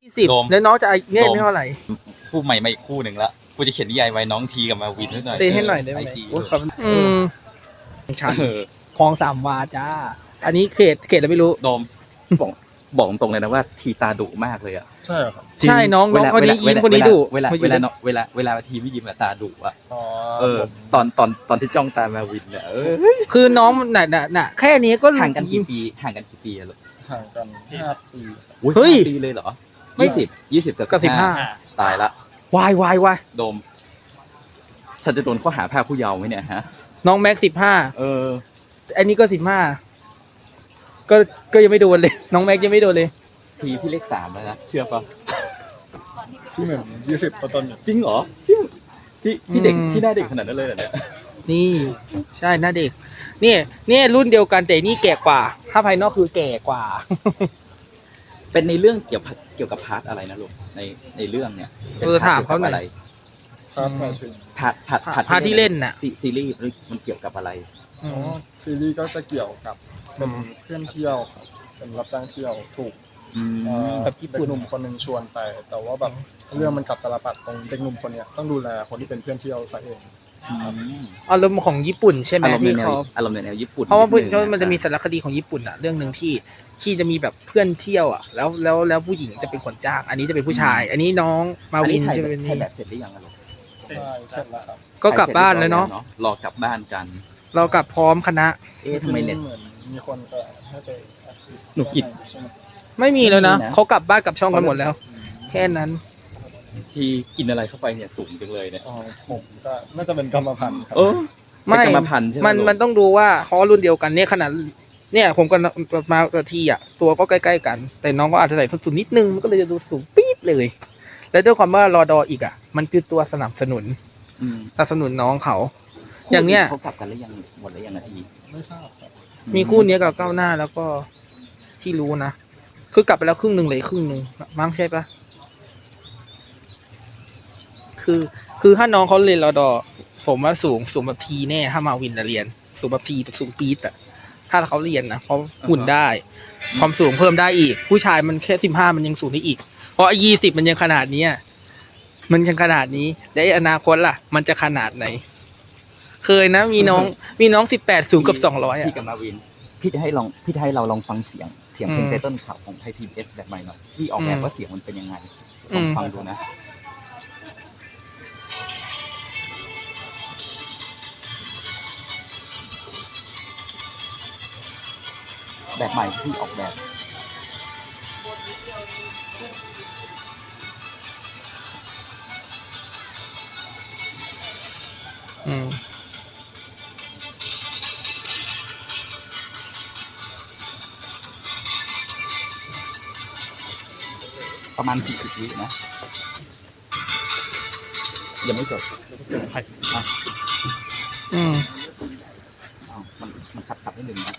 20 โดมแล้วน้องจะเนี่ยไม่เท่าไหร่คู่ใหม่มาอีกคู่หนึ่งละกูจะเขียนนิยายไว้น้องทีกับมาวินให้หน่อยเซให้หน่อยได้ไหม IG โอ้ยขอบคุณชันเออคลอง3 วาจ้า อันนี้เขตอะไรไม่รู้โดมบอกตรงเลยนะว่าทีตาดุมากเลยอ่ะใช่ครับใช่น้องคนนี้ยิ้มคนนี้ดุเวลาทีไม่ยิ้มอะตาดุอ่ะอ๋อเออตอนที่จ้องตามาวินเนี่ยคือน้องน่ะแค่นี้ก็ห่างกันกี่ปีอะลูกห่างกัน5 ปีอุ๊เฮ้ย 5 ปีเลยเหรอ20กับกับตายละวายโดม ฉันจะโดนข้อหาพรากผู้เยาว์ไหมเนี่ยฮะน้องแม็กเออ 15อันนี้ก็15ก็ยังไม่โดนเลย น้องแม็กยังไม่โดนเลยทีพี่เลข3แล้วนะเชื่อปะที่เหมือน20ต้นๆอยู่จริงเหรอพี่เด็กพี่หน้าเด็กขนาดนั้นเลยเหรอเนี่ยนี่ใช่หน้าเด็กนี่รุ่นเดียวกันแต่นี่แก่กว่า ถ้าภายนอกคือแก่กว่าเป็นในเรื่องเกี่ยวกับพาร์ทอะไรนะลูกในเรื่องเนี่ยป็นถามเขาหน่อยอะไรครับหมายถึงพาร์ทที่เล่นน่ะซีรีส์มันเกี่ยวกับอะไรอ๋อซีรีส์ก็จะเกี่ยวกับเป็นเพื่อนเที่ยวครับเป็นรับจ้างเที่ยวถูกแบบญี่ปุ่นเด็กหนุ่มคนหนึ่งชวนไปแต่ว่าแบบเรื่องมันกลับตาลปัดตรงเด็กหนุ่มคนเนี้ยต้องดูแลคนที่เป็นเพื่อนเที่ยวซะเองอารมณ์ของญี่ปุ่นใช่ไหมอารมณ์ในที่แนวเขาอารมณ์ในแนวญี่ปุ่นเพราะว่าดงมันจะมีสารคดีของญี่ปุ่นอะเรื่องหนึ่งที่จะมีแบบเพื่อนเที่ยวอะแล้วผู้หญิงจะเป็นคนจ้าง อันนี้จะเป็นผู้ชาย อันนี้น้องมาวินอัจะเป็นถ่ายนี่แบบเสร็จหรือยังอะลูกใช่เสร็จแล้วครับก็กลับบ้านแล้วเนาะรอกลับบ้านกันเรากลับพร้อมคณะทำไมเน็ตเหมือนมีคนจะให้ไปหนูกิจใช่ไหมไม่มีแล้วนะไม่มีนะเขากลับบ้านกลับช่องกันหมดแล้ว แค่นั้นที่กินอะไรเข้าไปเนี่ยสูงจังเลยเนี่ยอ๋อผมก็น่าจะเป็นกรรมพันธุ์ครับไม่เป็นกรรมพันธุ์ใช่ไหมมันต้องดูว่าเขารุ่นเดียวกันเนี่ยขนาดเนี่ยผมกับมากับทีอ่ะตัวก็ใกล้ๆกัน แต่น้องก็อาจจะใส่ส้นสูงนิดนึงมันก็เลยจะดูสูงปี๊ดเลย และด้วยความว่ารอดออีกอ่ะมันคือตัวสนับสนุนน้องเขา อย่างเนี้ยเขากลับกันหรือยังหมดหรือยังนาทีไม่ทราบครับมีคู่เนี้ยกับก้าวหน้าแล้วก็ที่รู้นะคือกลับไปแล้วครึ่งหนึ่งเลยครึ่งหนึ่งมั้งใช่ปะคือถ้าน้องเขาเรียนรอดอผมว่าสูงแบบทีแน่ถ้ามาวินเรียนสูงแบบทีแบบสูงปี๊ดอะถ้าเขาเรียนนะเพราะหุ่นได้ ความสูงเพิ่มได้อีก ผู้ชายมันแค่15มันยังสูงได้อีก เพราะ20มันยังขนาดนี้มันยังขนาดนี้แล้วอนาคตล่ะ มันจะขนาดไหน เคยนะมีน้อง18สูงกับ200 พี่กับมาวินพี่จะให้เราลองฟังเสียงเพลงไตเติ้ลข่าวของไทย PBS แบบใหม่หน่อยที่ออกแบบว่าเสียงมันเป็นยังไงลองฟังดูนะแบบใหม่ที่ออกแบบประมาณ40 วินะยังไม่จบอ่ะมันขัดนิดนึงนะ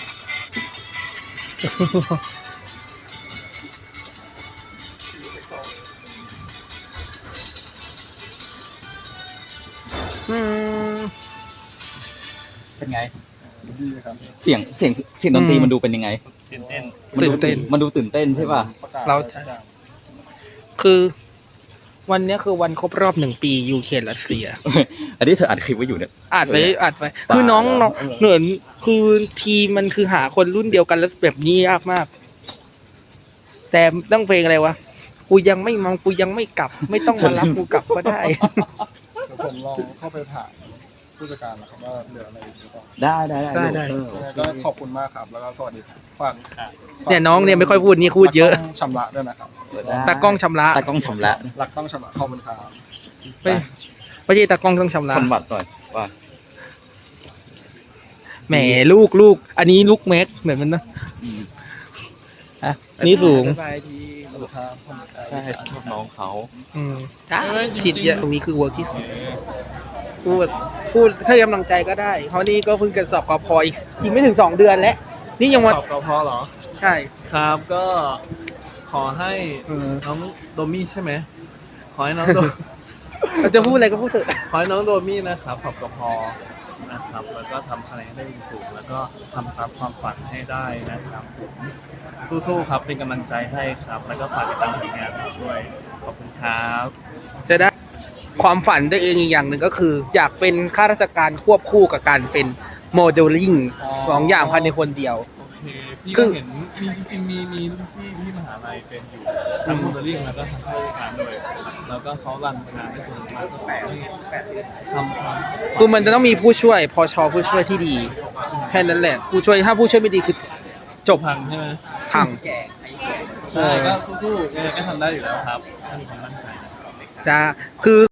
เป็นไงดีครับเสียงดนตรีมันดูเป็นยังไงตื่นเต้นมันดูตื่นเต้นใช่ป่ะประกาศเรา คือวันนี้คือวันครบรอบ1 ปียูเครนรัสเซียอันนี้เธออัดคลิปไว้อยู่เนี่ยอัดไว้คือน้องเหมือนคือทีมมันคือหาคนรุ่นเดียวกันแล้วแบบนี้ยากมาก แต่ต้องเพลงอะไรวะกูยังไม่มองกูยังไม่กลับ ไม่ต้องมารับกูกลับก็ได้เดี๋ยวผมลองเข้าไปถามผู้จัดการนะครับว่าเหลืออะไรอีกหรือเปล่าได้ได้ยังไงก็ขอบคุณมากครับแล้วก็สวัสดีครับฝากเนี่ยน้องเนี่ยไม่ค่อยพูดนี่พูดเยอะชำระด้วยนะครับตากล้องชำระตากล้องชำระรักต้องชำระขอบคุณครับไม่ใช่ตากล้องต้องชำระชำบัดหน่อยว่าแหมลูกอันนี้ลูกแม็กเหมือนมันนะอันนี้สูงสวัสดีครับผมใช่ชอบน้องเขาฉีดเยอะตรงนี้คือเวิร์กที่สุดพูดให้กำลังใจก็ได้ เพราะนี่ก็เพิ่งจะสอบกพอีกไม่ถึง2 เดือนแล้วนี่ยังวันสอบกพเหรอใช่ครับก็ขอให้น้องโดมี่ใช่ไหมขอให้น้องโดเราจะพูดอะไรก็พูดเถอะขอให้น้องโดมี่นะครับสอบกพนะครับแล้วก็ทำคะแนนให้ได้สูงแล้วก็ทำตามความฝันให้ได้นะครับผมสู้ๆครับเป็นกำลังใจให้ครับแล้วก็ฝากติดตามผลงานผมด้วยขอบคุณครับจะได้ความฝันตัวเองอีกอย่างหนึ่งก็คือ อยากเป็นข้าราชการควบคู่กับการเป็นโมเดลลิ่งอ๋อสองอย่างภายในคนเดียวโอเคพี่คืก็อเห็นมีจริงๆมีรุ่นพี่ที่มหาลัยเป็นอยู่ทั้งโมเดลลิ่งแล้วก็ทำข้าราชการด้วยแล้วก็เขารันงานได้สนุกมากก็ทำคือมันจะต้องมีผู้ช่วยพชผู้ช่วยที่ดีแค่นั้นแหละผู้ช่วยถ้าผู้ช่วยไม่ดีคือจบพังใช่ไหมพังใช่ก็สู้ๆยังไงก็ทำได้อยู่แล้วครับถ้ามีความมั่นใจนะครับจะคือ